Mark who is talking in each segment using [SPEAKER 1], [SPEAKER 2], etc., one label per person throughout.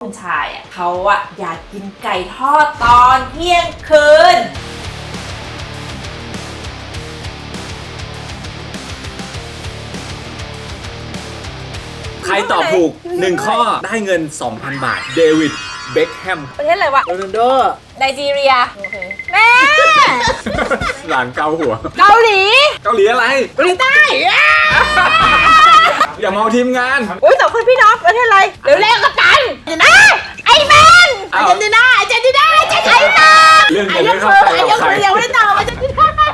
[SPEAKER 1] คุณชายอ่ะเขาอ่ะอยากกินไก่ทอดตอนเที่ยงคืน
[SPEAKER 2] ใครตอบถูก1ข้อได้เงิน 2,000 บาทเดวิดเบ็คแฮม
[SPEAKER 1] ประเทศอะไรวะ
[SPEAKER 2] โรนัลโด
[SPEAKER 1] ไนจีเรียแม่
[SPEAKER 2] หลานเกาหัว
[SPEAKER 1] เกาหลี
[SPEAKER 2] เกาหลีอะไร
[SPEAKER 1] เกาหลีใต้
[SPEAKER 2] อย่ามองทีมงาน
[SPEAKER 1] อุ้ยสองคนพี่น้องประเทศอะไรเดี๋ยวแรกกันเดี๋ยวนะไอแมนอาร์เจนตินาไอเจนตินาไอเจนตินา
[SPEAKER 2] เรื่องนี้ไม่เข้าใจกับใคร
[SPEAKER 1] ยังไม่ได้ตอบอาร์เจนตินา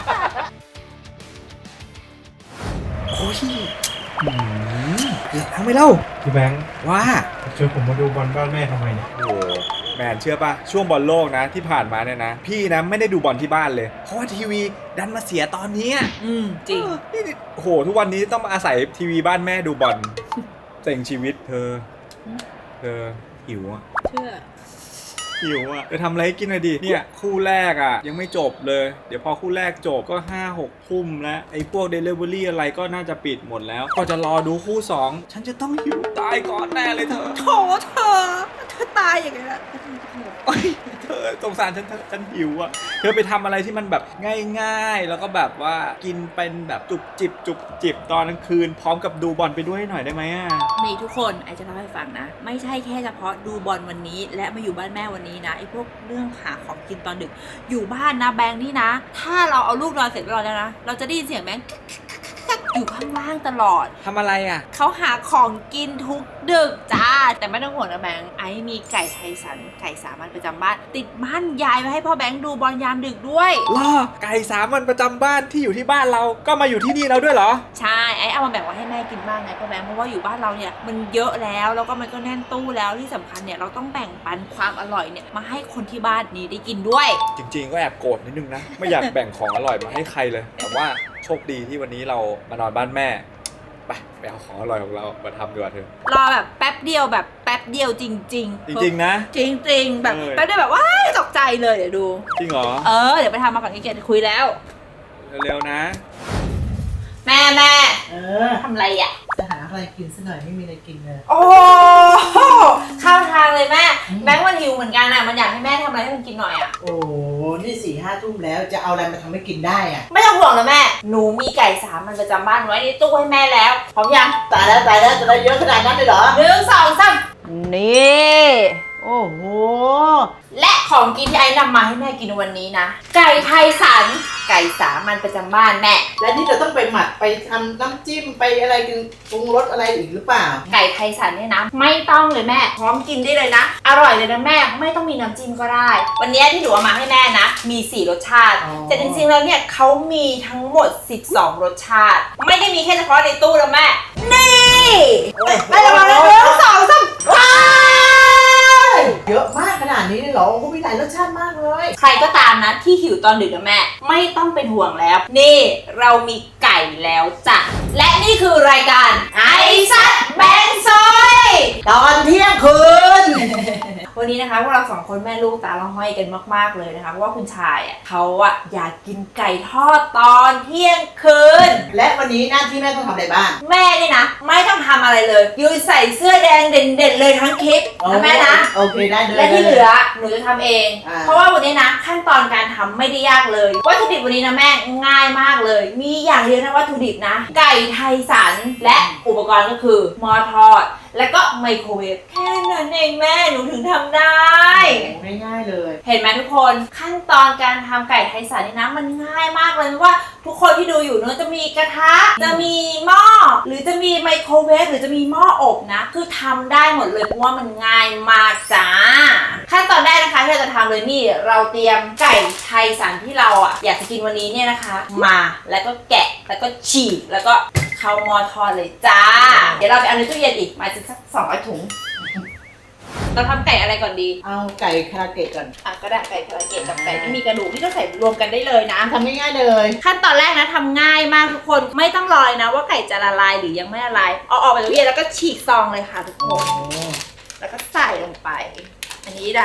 [SPEAKER 2] โอ้ยเกือบทำไม่เล่า
[SPEAKER 3] พี่แบงค์
[SPEAKER 2] ว่า
[SPEAKER 3] ชวนผมมาดูบอลบ้านแม่ทำไมเนี่ย
[SPEAKER 2] โอ้แมนเชื่อป่ะช่วงบอลโลกนะที่ผ่านมาเนี่ยนะพี่นะไม่ได้ดูบอลที่บ้านเลยเพราะว่าทีวีดันมาเสียตอนนี้
[SPEAKER 1] จริง
[SPEAKER 2] นี่โอ้โหทุกวันนี้ต้องมาอาศัยทีวีบ้านแม่ดูบอลเซ็งชีวิตเธอหิวอ่ะ
[SPEAKER 1] เชื่อ
[SPEAKER 2] หิวอ่ะจะทำอะไรให้กินหน่อยดิเนี่ยคู่แรกอ่ะยังไม่จบเลยเดี๋ยวพอคู่แรกจบก็5-6 ทุ่มแล้วไอ้พวก Delivery อะไรก็น่าจะปิดหมดแล้วก็จะรอดูคู่2ฉันจะต้องหิวตายก่อนแน่เลยเธอ
[SPEAKER 1] โถเธอตายอย่างไรล่ะ
[SPEAKER 2] โอ๊ยเธอสงสารฉันหิวอ่ะเธอไปทำอะไรที่มันแบบง่ายๆแล้วก็แบบว่ากินเป็นแบบจุบจิบตอนกลางคืนพร้อมกับดูบอลไปด้วยหน่อยได้ไหมอ่ะ
[SPEAKER 1] นี่ทุกคนไอจะเล่าให้ฟังนะไม่ใช่แค่เฉพาะดูบอลวันนี้และมาอยู่บ้านแม่วันนี้นะไอพวกเรื่องหาของกินตอนดึกอยู่บ้านนะแบงค์นี่นะ ถ้าเราเอาลูกนอนเสร็จแล้วนะเราจะได้ยินเสียงแบงค์อยู่ข้างล่างตลอด
[SPEAKER 2] ทำอะไรอ่ะ
[SPEAKER 1] เขาหาของกินทุกดึกจ้าแต่ไม่ต้องห่วงนะแบงค์ไอ้มีไก่ไทยสันไก่สามัญประจำบ้านติดบ้านยายมาให้พ่อแบงค์ดูบอลยามดึกด้วย
[SPEAKER 2] ล่อไก่3 วันประจำบ้านที่อยู่ที่บ้านเราก็มาอยู่ที่นี่แล้วด้วยเหรอ
[SPEAKER 1] ใช่ไอ้เอามาแบ่งไว้ให้แม่กินบ้างไงพ่อแบงค์เพราะว่าอยู่บ้านเราเนี่ยมันเยอะแล้วก็มันก็แน่นตู้แล้วที่สำคัญเนี่ยเราต้องแบ่งปันความอร่อยเนี่ยมาให้คนที่บ้านนี้ได้กินด้วย
[SPEAKER 2] จริงๆก็แอบโกรธนิดนึงนะไม่อยากแบ่งของอร่อยมาให้ใครเลยแต่ว่าโชคดีที่วันนี้เรามานอนบ้านแม่ไปเอาของอร่อยของเรามาทำดีกว่าเธอ
[SPEAKER 1] รอแบบแป๊บเดียวแบบแป๊บเดียวจริงๆ
[SPEAKER 2] จริงๆนะ
[SPEAKER 1] จริงๆแบบ
[SPEAKER 2] เออ
[SPEAKER 1] แป๊บเดียวแบบว้ายตกใจเลยเดี๋ยวดู
[SPEAKER 2] จริงเหรอ
[SPEAKER 1] เดี๋ยวไปทำมาก่อนขี้เกียจคุยแล้ว
[SPEAKER 2] เร็วๆนะ
[SPEAKER 1] แม่ ทำอะไรอ่ะ
[SPEAKER 4] จะหาอะไรกินซะหน่อยไม่มีอะไรกินเลย
[SPEAKER 1] โอ้เข้าทางเลยแม่แบงค์มันหิวเหมือนกันอ่ะมันอยากให้แม่ทำอะไรให้มันกินหน่อยอ่ะ
[SPEAKER 4] โอ้นี่4-5 ทุ่มแล้วจะเอาอะไรมาทำให้กินได้อะ
[SPEAKER 1] ไม่ต้องห่วงนะแม่หนูมีไก่สามัญประจำบ้านไว้ในตู้ให้แม่แล้วพร้อมยัง
[SPEAKER 4] ตายแล้วจะได้เยอะขนาดนั้นเลยเหรอ
[SPEAKER 1] 1 2 3นี่
[SPEAKER 4] โอ้โห
[SPEAKER 1] และของกินที่ไอ้นำมาให้แม่กินวันนี้นะไก่ไทยสันไก่สามัญประจำบ้านแม่
[SPEAKER 4] แล้วนี่เราต้องไปหมักไปทำน้ำจิ้มไปอะไรกันปรุงรสอะไรอีกหรือเปล่า
[SPEAKER 1] ไก่ไทยสันเนี่ยนะไม่ต้องเลยแม่พร้อมกินได้เลยนะอร่อยเลยนะแม่ไม่ต้องมีน้ำจิ้มก็ได้ วันนี้ที่หนูเอามาให้แม่นะมี4 รสชาติ
[SPEAKER 4] อ๋อ
[SPEAKER 1] แต่จริงๆแล้วเนี่ยเขามีทั้งหมด12 รสชาติ ไม่ได้มีแค่เฉพาะในตู้นะแม่นี่ไปละมาแล้ว1 2 3ว้า
[SPEAKER 4] เยอะมากขนาดนี้เลยเหรอโอ้โหมีหลายรสชาติมากเลย
[SPEAKER 1] ใครก็ตามนะที่หิวตอนดึกนะแม่ไม่ต้องเป็นห่วงแล้ว นี่เรามีไก่แล้วจ้ะและนี่คือรายการไอซัดแบงซอย
[SPEAKER 4] ตอนเที่ยงคืน
[SPEAKER 1] วันนี้นะคะพวกเรา2 คนแม่ลูกตาละห้อยกันมากๆเลยนะคะเพราะว่าคุณชายอ่ะเขาอ่ะอยากกินไก่ทอดตอนเที่ยงคืน
[SPEAKER 4] และวันนี้หน้าที่แม่ต้องทำอะไรบ้าง
[SPEAKER 1] แม่นี่นะไม่ต้องทำอะไรเลยยืนใส่เสื้อแดงเด่นๆเลยทั้งคลิปนะแม่นะ
[SPEAKER 4] โอเคได้เลย
[SPEAKER 1] และที่เหลือหนูจะทำเอง
[SPEAKER 4] อ่า
[SPEAKER 1] เพราะว่าวันนี้นะขั้นตอนการทำไม่ได้ยากเลยวัตถุดิบวันนี้นะแม่ง่ายมากเลย มีอย่างเดียวนะวัตถุดิบนะ ไก่ไทยสันและอุปกรณ์ก็คือหม้อทอด แล้วก็ไมโครเวฟแค่นั้นเองแม่หนูถึงทำได้
[SPEAKER 4] ง่ายๆเลย
[SPEAKER 1] เห็นไหมทุกคนขั้นตอนการทำไก่ไทยสันนี่นะมันง่ายมากเลยเพราะว่าทุกคนที่ดูอยู่เนอะจะมีกระทะจะมีหม้อหรือจะมีไมโครเวฟหรือจะมีหม้ออบนะคือทำได้หมดเลยเพราะว่ามันง่ายมากจ้าขั้นตอนแรกนะคะที่เราจะทำเลยนี่เราเตรียมไก่ไทยสันที่เราอ่ะอยากจะกินวันนี้เนี่ยนะคะมาแล้วก็แกะแล้วก็ฉีกแล้วก็เข้าหม้อทอดเลยจ้าเดี๋ยวเราไปเอาในตู้เย็นอีกมาสัก200 ถุงเราทำไก่อะไรก่อนดี
[SPEAKER 4] เอาไก่คาราเกะก่อน
[SPEAKER 1] ก็ได้ไก่คาราเกะกับไก่ที่มีกระดูกที่ก็ใส่รวมกันได้เลยนะ
[SPEAKER 4] ทำง่ายๆเลย
[SPEAKER 1] ขั้นตอนแรกนะทำง่ายมากทุกคนไม่ต้องรอเลยนะว่าไก่จะละลายหรือยังไม่ละลายเอาออกมาจากตู้เย็นแล้วก็ฉีกซองเลยค่ะทุกคนแล้วก็ใส่ลงไป อันนี้นะเ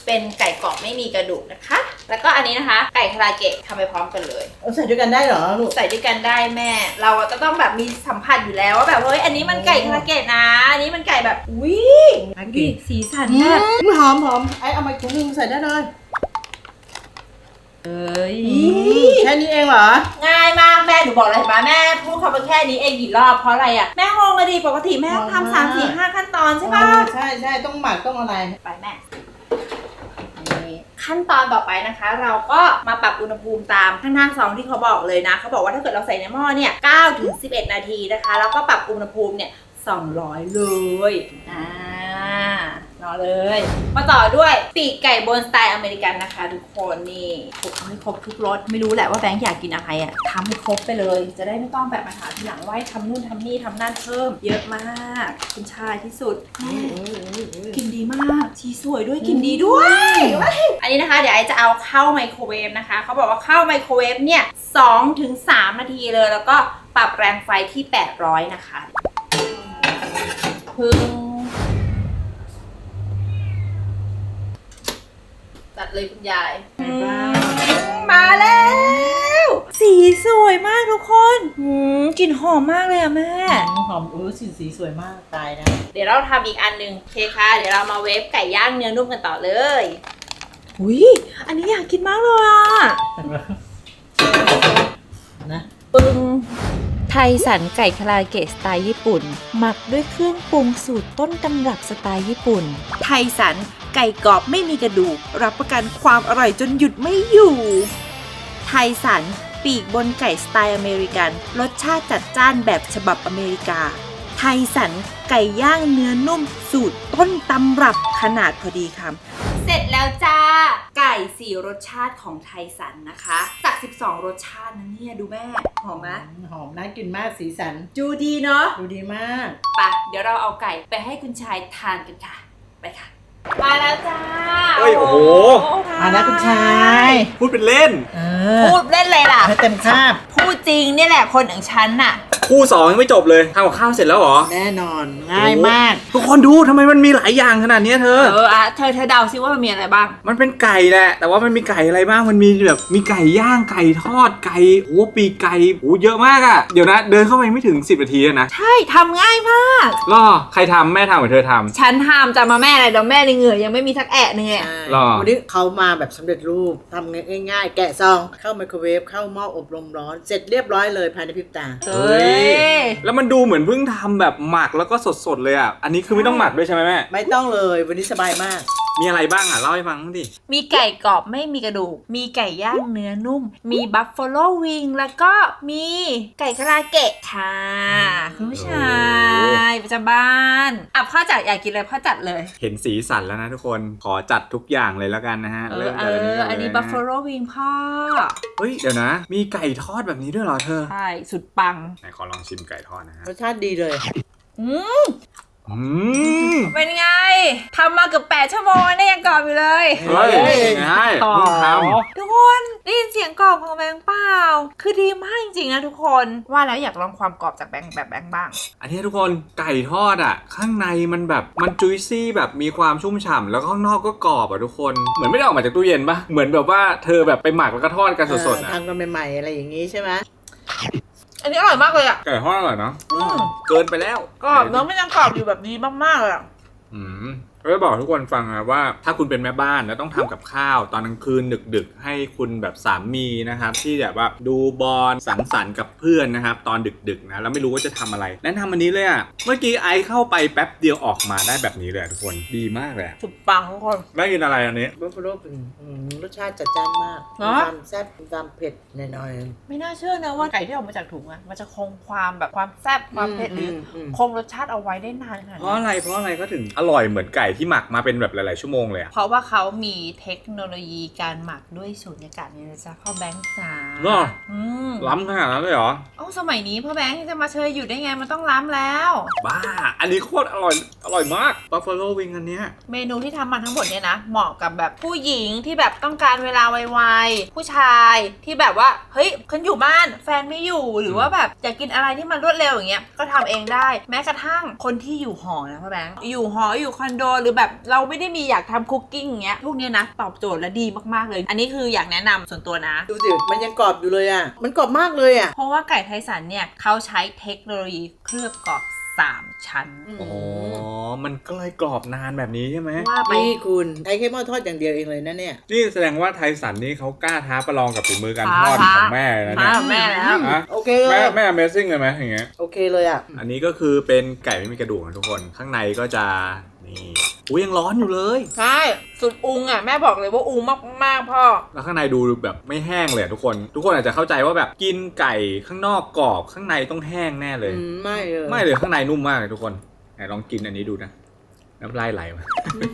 [SPEAKER 1] เป็นไก่กรอบไม่มีกระดูกนะคะ แล้วก็อันนี้นะคะไก่คาราเกะทำไปพร้อมกันเลย
[SPEAKER 4] เอาใส่ด้วยกันได้เหรอลูก
[SPEAKER 1] ใส่ด้วยกันได้แม่ เราจะต้องแบบมีสัมผัสอยู่แล้วว่าแบบเฮ้ยอันนี้มันไก่คาราเกะนะอันนี้มันไก่แบบอุ้ยดูดิสีสันแบบ
[SPEAKER 4] หอมไอ้เอามาถุงนึงใส่ได้เลย
[SPEAKER 1] เอ้ย
[SPEAKER 4] แค่นี้เองเหรอ
[SPEAKER 1] ง่ายมากแม่หนูบอกเลยเห็นไหมแม่พูดคำว่าแค่นี้เองกี่รอบเพราะอะไรอ่ะแม่งงเลยดิปกติแม่ต้องทำ3-4-5 ขั้นตอนใช่ปะ
[SPEAKER 4] ใช่ต้องหมักต้องอะไร
[SPEAKER 1] ไปแม่ขั้นตอนต่อไปนะคะ เราก็มาปรับอุณหภูมิตามข้างหน้าซองที่เขาบอกเลยนะเขาบอกว่าถ้าเกิดเราใส่ในหม้อเนี่ย9 ถึง 11 นาทีนะคะแล้วก็ปรับอุณหภูมิเนี่ย200เลยรอเลยมาต่อด้วยปีกไก่บนสไตล์อเมริกันนะคะทุกคนนี่คลุกให้ครบทุกรสไม่รู้แหละว่าแบงค์อยากกินอะไรอ่ะทำให้ครบไปเลยจะได้ไม่ต้องแบบมาถามทีหลังว่าให้ทำนู่นทำนี่ทำนั่นเพิ่มเยอะมากคุณชายที่สุดกินดีมากชีสวยด้วยกินดีด้วยอันนี้นะคะเดี๋ยวไอจะเอาเข้าไมโครเวฟนะคะเขาบอกว่าเข้าไมโครเวฟเนี่ย2 ถึง 3 นาทีเลยแล้วก็ปรับแรงไฟที่800นะคะพึ่งตัดเลยคุณยายมาแล้วสีสวยมากทุกคนกลิ่นหอมมากเลยอะแม่
[SPEAKER 4] หอมสีสวยมากตายนะ
[SPEAKER 1] เดี๋ยวเราทำอีกอันหนึ่งโอเคค่ะเดี๋ยวเรามาเวฟไก่ย่างเนื้อนุ่มกันต่อเลยอุ้ยอันนี้อยากกินมากเลยอะ
[SPEAKER 4] นะ
[SPEAKER 1] ปึ้งไทยสันไก่คาราเกะสไตล์ญี่ปุ่นหมักด้วยเครื่องปรุงสูตรต้นตำรับสไตล์ญี่ปุ่นไทยสันไก่กรอบไม่มีกระดูกรับประกันความอร่อยจนหยุดไม่อยู่ไทยสันปีกบนไก่สไตล์อเมริกันรสชาติจัดจ้านแบบฉบับอเมริกาไทยสันไก่ย่างเนื้อนุ่มสูตรต้นตำรับขนาดพอดีคำเสร็จแล้วจ้าไก่4รสชาติของไทยสันนะคะจาก12รสชาตินะเนี่ยดูแม่หอมไหม
[SPEAKER 4] หอมน่ากินมากสีสัน
[SPEAKER 1] ดูดีเนาะ
[SPEAKER 4] ดูดีมาก
[SPEAKER 1] ไปเดี๋ยวเราเอาไก่ไปให้คุณชายทานกันค่ะไปค่ะมาแล้วจ้า
[SPEAKER 2] เฮ้ยโอ้โห
[SPEAKER 4] มาแล้วคุณชาย
[SPEAKER 2] พูดเป็นเล่น
[SPEAKER 1] พูดเล่นเลยล่ะ
[SPEAKER 4] ให้เต็มคาบ
[SPEAKER 1] พูดจริงเนี่ยแหละคนอย่างฉันน่ะ
[SPEAKER 2] คู่2ยังไม่จบเลยทำกับข้าวเสร็จแล้วเหรอ
[SPEAKER 4] แน่นอนง่ายมาก
[SPEAKER 2] ทุกคนดูทำไมมันมีหลายอย่างขนาดนี้เธอ
[SPEAKER 1] เธอเดาซิว่ามันมีอะไรบ้าง
[SPEAKER 2] มันเป็นไก่แหละแต่ว่ามันมีไก่อะไรบ้างมันมีแบบมีไก่ย่างไก่ทอดไก่โอ้ปีกไก่โอ้เยอะมากอะเดี๋ยวนะเดินเข้าไปไม่ถึง10 นาทีนะ
[SPEAKER 1] ใช่ทำง่ายมาก
[SPEAKER 2] รอใครทำแม่ทำหรือเธอทำ
[SPEAKER 1] ฉันทำจะมาแม่อะไรเดี๋ยวแม่ในเหงื่อยังไม่มีสักแอะนึง
[SPEAKER 2] หรอ
[SPEAKER 4] วันนี้เขามาแบบสำเร็จรูปทำง่ายๆแกะซองเข้าไมโครเวฟเข้าหม้ออบลมร้อนเสร็จเรียบร้อยเลยภายในพริบตา
[SPEAKER 1] เฮ้ย
[SPEAKER 2] แล้วมันดูเหมือนเพิ่งทำแบบหมักแล้วก็สดๆเลยอ่ะ อันนี้คือไม่ต้องหมักด้วยใช่ไหมแม่
[SPEAKER 4] ไม่ต้องเลยวันนี้สบายมาก
[SPEAKER 2] มีอะไรบ้างอ่ะเล่าให้ฟังดิ
[SPEAKER 1] มีไก่กรอบไม่มีกระดูก มีไก่ย่างเนื้อนุ่ม มีบัฟฟาโลวิงแล้วก็มีไก่คาราเกะค่ะคุณผู้ชายประจำบ้านอ่ะพ่อจัดอยากกินอะไรพ่อจัดเลย
[SPEAKER 2] เห็นสีสันแล้วนะทุกคนขอจัดทุกอย่างเลยแล้วกันนะฮะเริ่มจากอันนี้ก่อนเลย
[SPEAKER 1] อันนี้บัฟฟาโลวิงพ่อ
[SPEAKER 2] เฮ้ยเดี๋ยวนะ มีไก่ทอดแบบนี้ด้วยเหรอเธอ
[SPEAKER 1] ใช่สุดปัง
[SPEAKER 2] ไหนขอลองชิมไก่ทอดนะฮะ
[SPEAKER 4] รสชาติดีเลย
[SPEAKER 1] เป็นไงทำมาเกือบ8 ชั่วโมงเนี่ยยังกรอบอยู่เลย
[SPEAKER 2] เฮ้ยง่ายเพิ่งทำ
[SPEAKER 1] ทุกคนได้ยินเสียงกรอบของแบงค์เปล่าคือดีมากจริงๆนะทุกคนว่าแล้วอยากลองความกรอบจากแบงค์แบบแบงค์บ้าง
[SPEAKER 2] อันนี้ทุกคนไก่ทอดอ่ะข้างในมันแบบมันจุยซี่แบบมีความชุ่มฉ่ำแล้วข้างนอกก็กรอบอ่ะทุกคนเหมือนไม่ได้ออกมาจากตู้เย็นปะเหมือนแบบว่าเธอแบบไปหมักแล้วก็ทอดกันสดๆอ่ะ
[SPEAKER 4] ทำกันใหม่ๆอะไรอย่างนี้ใช่ไหม
[SPEAKER 1] อันนี้อร่อยมากเลยอ่ะ
[SPEAKER 2] ไก่ทอดอร่อยเนาะเกินไปแล้ว
[SPEAKER 1] กรอบเนาะไม่ยังกรอบอยู่แบบนี้มากๆเลยอ่ะ
[SPEAKER 2] ก็จะบอกทุกคนฟังนะว่าถ้าคุณเป็นแม่บ้านแล้วต้องทำกับข้าวตอนกลางคืนดึกๆให้คุณแบบสามีนะครับที่แบบว่าดูบอลสังสรรค์กับเพื่อนนะครับตอนดึกๆนะแล้วไม่รู้ว่าจะทำอะไรแนะนำอันนี้เลยอ่ะเมื่อกี้ไอซ์เข้าไปแป๊บเดียวออกมาได้แบบนี้เลยทุกคนดีมากเลย
[SPEAKER 1] สุดปังทุกคน
[SPEAKER 2] ได้กินอะไรอันนี้
[SPEAKER 4] บัฟฟาโลเป็นรสชาติจัดจ้านมาก
[SPEAKER 1] เหร
[SPEAKER 4] มี
[SPEAKER 1] อ
[SPEAKER 4] ความแซ่บมีความเผ็ดหน่อย
[SPEAKER 1] ไม่น่าเชื่อนะว่าไก่ที่ออกมาจากถุงอะมันจะคงความแบบความแซ่บความเผ็ดหรือคงรสชาติเอาไว้ได้นานขนาด
[SPEAKER 2] เพ
[SPEAKER 1] นี้
[SPEAKER 2] ราะอะไรก็ถึงอร่อยเหมือนไก่ที่หมักมาเป็นแบบหลายๆชั่วโมงเลยอะ
[SPEAKER 1] เพราะว่าเขามีเทคโนโลยีการหมักด้วยสูญญากาศนี่นะจ๊ะพ่อแบงค์จ๋า
[SPEAKER 2] เหรอ
[SPEAKER 1] ม
[SPEAKER 2] ล้ำขนาดนั้นเลยเหรอ
[SPEAKER 1] เอ้าสมัยนี้พ่อแบงค์จะมาเชยอยู่ได้ไงมันต้องล้ำแล้ว
[SPEAKER 2] บ้าอันนี้โคตรอร่อยมากบัฟฟาโลวิงอันเนี้ย
[SPEAKER 1] เมนูที่ทำมาทั้งหมดเนี่ยนะเหมาะกับแบบผู้หญิงที่แบบต้องการเวลาไวๆผู้ชายที่แบบว่าเฮ้ยฉันอยู่บ้านแฟนไม่อยู่หรือว่าแบบอยากกินอะไรที่มันรวดเร็วอย่างเงี้ยก็ทำเองได้แม้กระทั่งคนที่อยู่หอนะพ่อแบงค์อยู่หออยู่คอนโดหรือแบบเราไม่ได้มีอยากทำคุกกิ้งอย่างเงี้ยพวกเนี้ยนะตอบโจทย์และดีมากๆเลยอันนี้คืออยากแนะนำส่วนตัวนะ
[SPEAKER 4] ดูสิมันยังกรอบอยู่เลยอ่ะมันกรอบมากเลยอ่ะ
[SPEAKER 1] เพราะว่าไก่ไทสันเนี่ยเขาใช้เทคโนโลยีเคลือบกรอบ3 ชั้น
[SPEAKER 2] อ๋อ มันก็เลยกรอบนานแบบนี้ใช่ไหม
[SPEAKER 1] ว่าไป
[SPEAKER 4] นี่คุณใช้แค่หม้อทอดอย่างเดียวเองเลยนะเนี่ย
[SPEAKER 2] นี่แสดงว่าไทสันนี่เขากล้าท้าประลองกับฝีมือการทอดของแม่เลยนะ
[SPEAKER 1] มา
[SPEAKER 2] เนี่ย
[SPEAKER 1] แม่แล้ว
[SPEAKER 2] ฮะ
[SPEAKER 4] โอเคเลย
[SPEAKER 2] แม่ Amazing เลยไหมอย่างเงี้ย
[SPEAKER 4] โอเคเลยอ่ะ
[SPEAKER 2] อันนี้ก็คือเป็นไก่ไม่มีกระดูกนะทุกคน ข้างในก็จะนี่อุ้ยยังร้อนอยู่เลย
[SPEAKER 1] ใช่สุดอุงอ่ะแม่บอกเลยว่าอุงมากๆพ่อ
[SPEAKER 2] แล้วข้างในดูแบบไม่แห้งเลยอะทุกคน ทุกคนอาจจะเข้าใจว่าแบบกินไก่ข้างนอกกรอบข้างในต้องแห้งแน่เลย
[SPEAKER 4] ไม่เลย
[SPEAKER 2] ไม่เลยข้างในนุ่มมากเลยทุกคนไหนลองกินอันนี้ดูนะน้ำลายไหลมา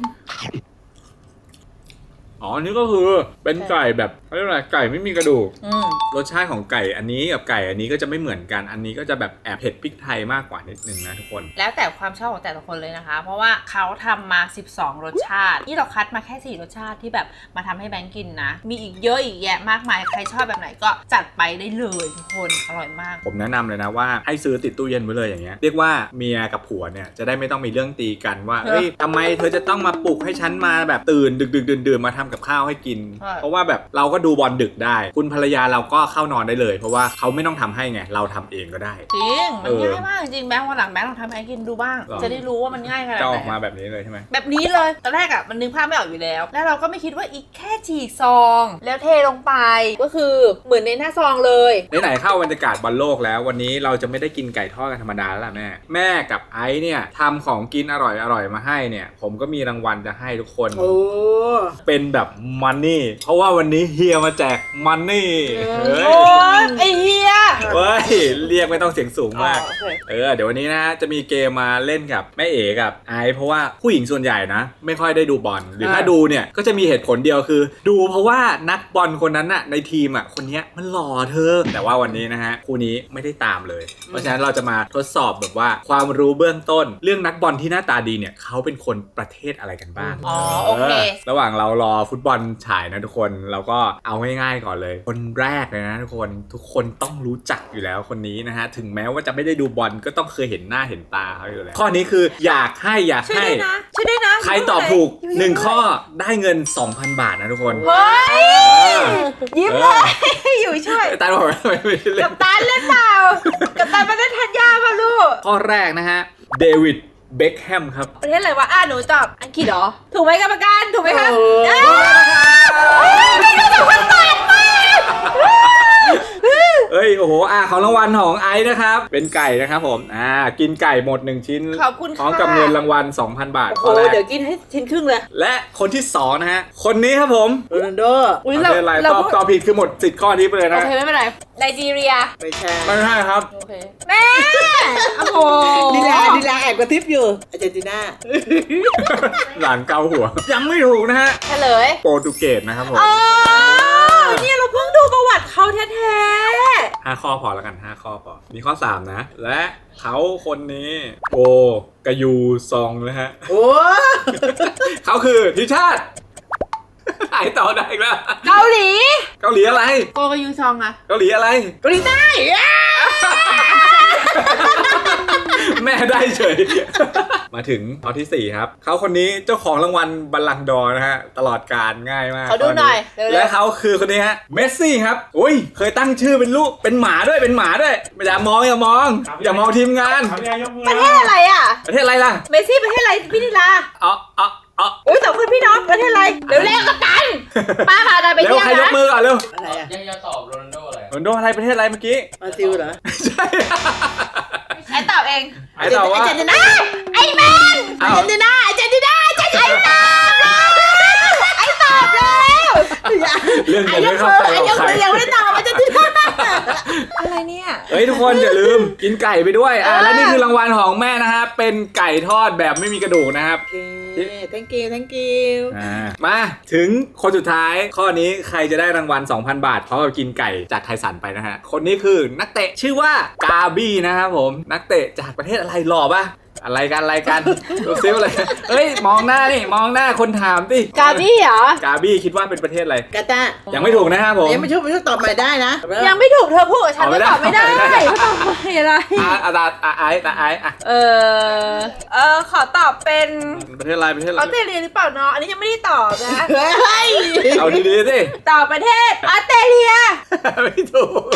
[SPEAKER 2] อ๋ออันนี้ก็คือเป็นไก่แบบเขาเรียกว่าอะไรไก่ไม่มีกระดูก รสชาติของไก่อันนี้กับไก่อันนี้ก็จะไม่เหมือนกัน อันนี้ก็จะแบบแอบเผ็ดพริกไทยมากกว่านิดนึงนะทุกคน
[SPEAKER 1] แล้วแต่ความชอบของแต่ละคนเลยนะคะ เพราะว่าเขาทำมา12 รสชาติที่เราคัดมาแค่4 รสชาติที่แบบมาทำให้แบงก์กินนะ มีอีกเยอะอีกแยะมากมายใครชอบแบบไหนก็จัดไปได้เลยทุกคนอร่อยมาก
[SPEAKER 2] ผมแนะนำเลยนะว่าให้ซื้อติดตู้เย็นไว้เลยอย่างเงี้ย เรียกว่าเมียกับผัวเนี่ยจะได้ไม่ต้องมีเรื่องตีกันว่าเฮ้ยทำไมเธอจะต้องมาปลุกให้ฉันมาแบบตื่นดึกดื่นมาทำกับข้าวให้กิน
[SPEAKER 1] ใช่
[SPEAKER 2] เพราะว่าแบบเราก็ดูบอลดึกได้ คุณภรรยาเราก็เข้านอนได้เลย เพราะว่าเขาไม่ต้องทำให้ไงเราทำเองก็ได้
[SPEAKER 1] จริงมัน
[SPEAKER 2] เออ
[SPEAKER 1] ง่ายมากจริงแบงค์วันหลังแบงค์ลองทำให้กินดูบ้าง
[SPEAKER 2] หรอ
[SPEAKER 1] จะได้รู้ว่ามันง่ายขนาด
[SPEAKER 2] จะ
[SPEAKER 1] ไห
[SPEAKER 2] ออกมาน
[SPEAKER 1] อะ
[SPEAKER 2] แบบนี้เลยใช่ไหม
[SPEAKER 1] แบบนี้เลยตอนแรกอ่ะมันนึกภาพไม่ออกอยู่แล้ว แล้วเราก็ไม่คิดว่าอีกแค่ฉีกซอง แล้วเทลงไปก็คือเหมือนในหน้าซองเลย
[SPEAKER 2] ไหนๆเข้าบรรยากาศบอลโลกแล้ววันนี้เราจะไม่ได้กินไก่ทอดกันธรรมดาแล้วล่ะแม่กับไอซ์เนี่ยทำของกินอร่อยมาให้เนี่ยผมก็มีรางวัลจะให้ทุกคน
[SPEAKER 4] โอ้
[SPEAKER 2] เป็นแบบมันนี่เพราะว่าวันนี้เฮียมาแจกมันนี่เฮ้
[SPEAKER 1] โอ้
[SPEAKER 2] ย
[SPEAKER 1] ยไอเฮีย
[SPEAKER 2] เฮ้ยเรียกไม่ต้องเสียงสูงมาก
[SPEAKER 1] อ๋อโอเค
[SPEAKER 2] เดี๋ยววันนี้นะจะมีเกมมาเล่นกับแม่เอ๋กับไอซ์เพราะว่าผู้หญิงส่วนใหญ่นะไม่ค่อยได้ดูบอลหรือถ้าดูเนี่ยก็จะมีเหตุผลเดียวคือ ดูเพราะว่านักบอลคนนั้นน่ะในทีมอ่ะคนเนี้ยมันหล่อเธอ แต่ว่าวันนี้นะฮะคู่นี้ไม่ได้ตามเลย เพราะฉะนั้นเราจะมาทดสอบแบบว่าความรู้เบื้องต้น เรื่องนักบอลที่หน้าตาดีเนี่ยเขาเป็นคนประเทศอะไรกันบ้าง
[SPEAKER 1] อ๋อโอเค
[SPEAKER 2] ระหว่างเรารอฟุตบอลฉายนะทุกคนเราก็เอาง่ายๆก่อนเลย คนแรกเลยนะทุกคนต้องรู้จักอยู่แล้วคนนี้นะฮะถึงแม้ว่าจะไม่ได้ดูบอลก็ต้องเคยเห็นหน้าเห็นตาเขาอยู่แล้วข้อนี้คืออยากให้
[SPEAKER 1] ช่วยด้วยนะช่วยด้วยนะ
[SPEAKER 2] ใครตอบถูก1ข้อได้เงิน 2,000 บาทนะทุกคน
[SPEAKER 1] เฮ้ยยิ้มเลยอยู่ช่วย
[SPEAKER 2] ตาบอกว่าไม่ได้เล่
[SPEAKER 1] กัน บตันเล่นเปล่ากับตันมาเล่นทันยาป่ะลูก
[SPEAKER 2] ข้อแรกนะฮะเดวิดเบคแฮมครับ
[SPEAKER 1] ประเทศอะไรวะหนูตอบอังกฤษเหรอถูกไหมกรรมการถูกไหมคะ
[SPEAKER 4] โอ้
[SPEAKER 2] เอ้ยโอ้โหของรางวัลของไอซ์นะครับเป็นไก่นะครับผมกินไก่หมด1ชิ้น
[SPEAKER 1] ขอบคุณ
[SPEAKER 2] พร้อมกับเงินรางวัล 2,000 บาท
[SPEAKER 4] โห
[SPEAKER 2] ข้อแรก
[SPEAKER 4] เดี๋ยวกินให้ชิ้นครึ่งเลย
[SPEAKER 2] และคนที่2นะฮะคนนี้ครับผม
[SPEAKER 4] โรนัลโด
[SPEAKER 1] อุ้ย
[SPEAKER 2] ไม่เป็นไรตอบผิดคือหมดสิทธิ์ข้อนี้ไปเลย
[SPEAKER 1] โอ
[SPEAKER 2] นะ
[SPEAKER 1] เคไม่เป็นไรไนจีเรีย
[SPEAKER 4] ไปแชร์
[SPEAKER 2] ไม่ใช่ครับ
[SPEAKER 1] โอเคแม่โอ้โห
[SPEAKER 4] ดีลาแอบกระทิบอยู่อาร์เจนตินา
[SPEAKER 2] หลานเกาหัว ยังไม่ถูกนะฮะ
[SPEAKER 1] เฉลย
[SPEAKER 2] โปรตุเกสนะครับผม
[SPEAKER 1] อ๋อเนี่ยเราเพิ่งดูประวัติเขาแท้
[SPEAKER 2] 5 ข้อพอแล้วกัน 5 ข้อพอมีข้อ 3 นะ และเขาคนนี้โกกายูซองนะฮะ
[SPEAKER 4] โอ้
[SPEAKER 2] เขาคือทีมชาติหายต่อได้อีกแล้ว
[SPEAKER 1] ๆเกาหลี
[SPEAKER 2] เกาหลีอะไร
[SPEAKER 1] โกกายูซองอะ
[SPEAKER 2] เกาหลีอะไร
[SPEAKER 4] เกาหลีใต้
[SPEAKER 2] แม่ได้เฉย มาถึงข้อที่ 4 ครับ เขาคนนี้เจ้าของรางวัลบัลลังก์ดอร์นะฮะ ตลอดการง่ายมาก
[SPEAKER 1] เขาดูหน่อยเร็วๆ
[SPEAKER 2] และเขาคือคนนี้ฮะ เมสซี่ครับ อุ้ย เคยตั้งชื่อเป็นลูก เป็นหมาด้วย เป็นหมาด้วย อย่ามอง อย่ามอง อย่ามองทีมงาน
[SPEAKER 3] ทำยังยกมือ
[SPEAKER 1] ประเทศอะไรอะ
[SPEAKER 2] ประเทศอะไรล่ะ
[SPEAKER 1] เมสซี่ประเทศอะไรพี่นิลา
[SPEAKER 2] อ๋อ
[SPEAKER 1] อุ้ยสองคนพี่น้องประเทศอะไรเร็วๆกับตันป้าพาตันไป
[SPEAKER 2] เร็ว
[SPEAKER 1] เที่ยว
[SPEAKER 2] ใครยก
[SPEAKER 1] นะ
[SPEAKER 2] มือก่อนเร็ว
[SPEAKER 4] อะไรอ่ะ
[SPEAKER 5] ยังจะตอบโรนัลโดอะไร
[SPEAKER 2] โรนลโดอะไรประเทศอะไรเมื่อกี้
[SPEAKER 4] บราซิลเหรอ
[SPEAKER 2] ใช่
[SPEAKER 1] ไอ้ตอบเอง
[SPEAKER 2] ไอ้ตอบว่า
[SPEAKER 1] อาร์เจนตินาไอ้แมนอาร์เจนตินาอาร์เจนตินาไอ้ตอบไอ้ตอบแล้ว
[SPEAKER 2] เรื่องเงินไม่เข้าใจกับใคร
[SPEAKER 1] ยังไม่ได้ตอบอาร์เจนตินาอะไรเนี่ย
[SPEAKER 2] เฮ้ยทุกคนอย่าลืมกินไก่ไปด้วยและนี่คือรางวัลของแม่นะฮะเป็นไก่ทอดแบบไม่มีกระดูกนะครับ
[SPEAKER 4] โอเค thank you
[SPEAKER 2] มาถึงคนสุดท้ายข้อนี้ใครจะได้รางวัล 2,000 บาทพร้อมกับกินไก่จากไทสันไปนะฮะคนนี้คือนักเตะชื่อว่ากาบี้นะครับผมนักเตะจากประเทศอะไรหล่อปะอะไรกันดูซิว่าอะไรเอ้ยมองหน้านี่มองหน้าคนถามดิ
[SPEAKER 1] กาบี้เหรอ
[SPEAKER 2] กาบี้คิดว่าเป็นประเทศอะไร
[SPEAKER 4] กาตาร์
[SPEAKER 2] ยังไม่ถูกนะครับผม
[SPEAKER 4] ยังไม่ช่วยตอบใหม่ได้นะ
[SPEAKER 1] ยังไม่ถูกเธอพูดกับฉัน
[SPEAKER 2] เอาไม่
[SPEAKER 1] ก็
[SPEAKER 2] ได้
[SPEAKER 1] ตอบไม่ได้
[SPEAKER 2] ไม่ได้
[SPEAKER 1] เขาตอบไม่อะไร
[SPEAKER 2] ไอ้อะ
[SPEAKER 1] ขอตอบเป็น
[SPEAKER 2] ประเทศอะไร
[SPEAKER 1] ออสเตรเลียหรือเปล่าเนาะอันนี้ยังไม่ได้ตอบนะ
[SPEAKER 4] เฮ้ย
[SPEAKER 2] เอาดีๆสิ
[SPEAKER 1] ตอบประเทศออสเตรเลีย
[SPEAKER 2] ไม่ถูก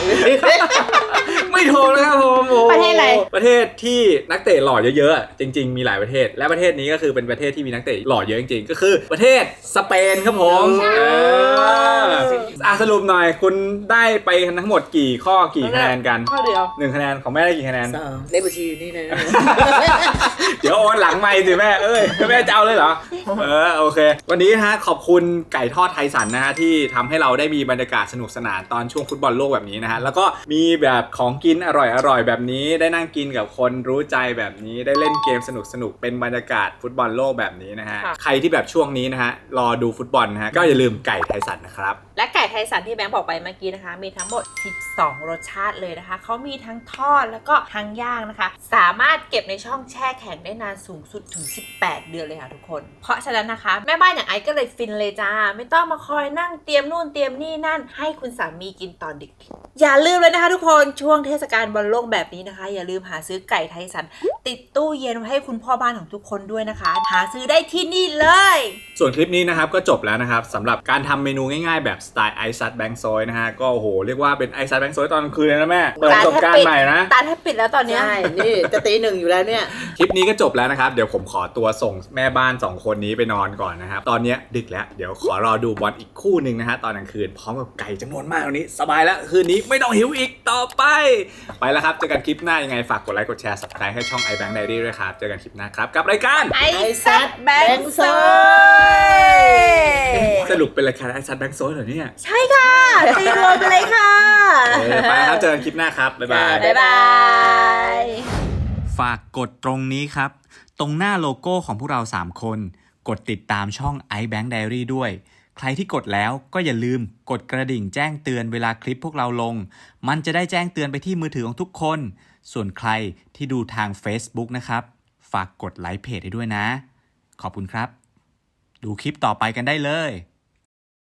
[SPEAKER 2] ไม่ถูกนะครับผมโอ้
[SPEAKER 1] ประเทศอะไร
[SPEAKER 2] ประเทศที่นักเตะหล่อเยอะๆจริงๆมีหลายประเทศ และประเทศนี้ก็คือเป็นประเทศที่มีนักเตะหล่อเยอะจริงๆก็คือประเทศสเปนครับผมสรุปหน่อยคุณได้ไปทั้งหมดกี่ข้อกี่คะแนนกัน
[SPEAKER 1] ข้อเดียว
[SPEAKER 2] 1 คะแนนของแม่ได้กี่คะแนน
[SPEAKER 4] 2เลขบัญชีอยู่นี่นะ
[SPEAKER 2] เดี๋ยวโอนหลังไม่สิแม่แม่จะเอาเลยเหรอโอเค วันนี้ฮะขอบคุณไก่ทอดไทยสันนะฮะที่ทำให้เราได้มีบรรยากาศสนุกสนานตอนช่วงฟุตบอลโลกแบบนี้นะฮะแล้วก็มีแบบของกินอร่อยแบบนี้ได้นั่งกินกับคนรู้ใจแบบนี้ได้เล่นเกมสนุกเป็นบรรยากาศฟุตบอลโลกแบบนี้นะฮะใครที่แบบช่วงนี้นะฮะรอดูฟุตบอลนะฮะก็อย่าลืมไก่ไทยสันนะครับ
[SPEAKER 1] และไก่ไทยสันที่แบงค์บอกไปเมื่อกี้นะคะ มีทั้งหมด 12 รสชาติเลยนะคะ เขามีทั้งทอดแล้วก็ทั้งย่างนะคะ สามารถเก็บในช่องแช่แข็งได้นานสูงสุดถึง 18 เดือนเลยค่ะทุกคน เพราะฉะนั้นนะคะ แม่บ้านอย่างไอซ์ก็เลยฟินเลยจ้า ไม่ต้องมาคอยนั่งเตรียมนู่นเตรียมนี่นั่น ให้คุณสามีกินตอนดึก อย่าลืมเลยนะคะทุกคน ช่วงเทศกาลบอลโลกแบบนี้นะคะ อย่าลืมหาซื้อไก่ไทยสันติดตู้เย็นไว้ให้คุณพ่อบ้านของทุกคนด้วยนะคะ หาซื้อได้ที่นี่เลย
[SPEAKER 2] ส่วนคลิปนี้นะครับก็จบแล้วนะครับสำหรับการทำเมนูง่ายๆแบบสไตล์ไอซัดแบงค์ซอยนะฮะก็โอ้โหเรียกว่าเป็นไอซัดแบงค์ซอยตอนกลางคืนเลยนะแม่เปิดประสบการณ์ใหม่นะ
[SPEAKER 1] ตาแทบปิดแล้วตอนเนี้ย
[SPEAKER 4] ใช่ นี่จะตี 1อยู่แล้วเนี่ย
[SPEAKER 2] คลิปนี้ก็จบแล้วนะครับเดี๋ยวผมขอตัวส่งแม่บ้าน2คนนี้ไปนอนก่อนนะครับตอนนี้ดึกแล้วเดี๋ยวขอรอดูบอลอีกคู่หนึ่งนะฮะตอนกลางคืนพร้อมกับไก่จำนวนมากวันนี้สบายแล้วคืนนี้ไม่ต้องหิวอีกต่อไปแล้วครับเจอกันคลิปหน้ายังไงฝากกดไลค์กดแชร์ Subscribe ให้ช่อง iBank Diary ด้วยครับเจอกันคลิปหน้าครับกับรายการ
[SPEAKER 1] ไอซัดแบงค์ซอย
[SPEAKER 2] สรุปเป็นรายการไอซัดแบงค์ซอยเหรอเนี่ย
[SPEAKER 1] ใช่ค่ะตีรวมไปเลยค่ะ
[SPEAKER 2] ไปแล้วครับเจอกันคลิปหน้าครับบ๊ายบาย
[SPEAKER 1] บ๊ายบาย
[SPEAKER 5] ฝากกดตรงนี้ครับ ตรงหน้าโลโก้ของพวกเรา 3 คน กดติดตามช่อง iBank Diary ด้วย ใครที่กดแล้วก็อย่าลืมกดกระดิ่งแจ้งเตือนเวลาคลิปพวกเราลง มันจะได้แจ้งเตือนไปที่มือถือของทุกคน ส่วนใครที่ดูทาง Facebook นะครับ ฝากกดไลค์เพจให้ด้วยนะ ขอบคุณครับ ดูคลิปต่อไปกันได้เลย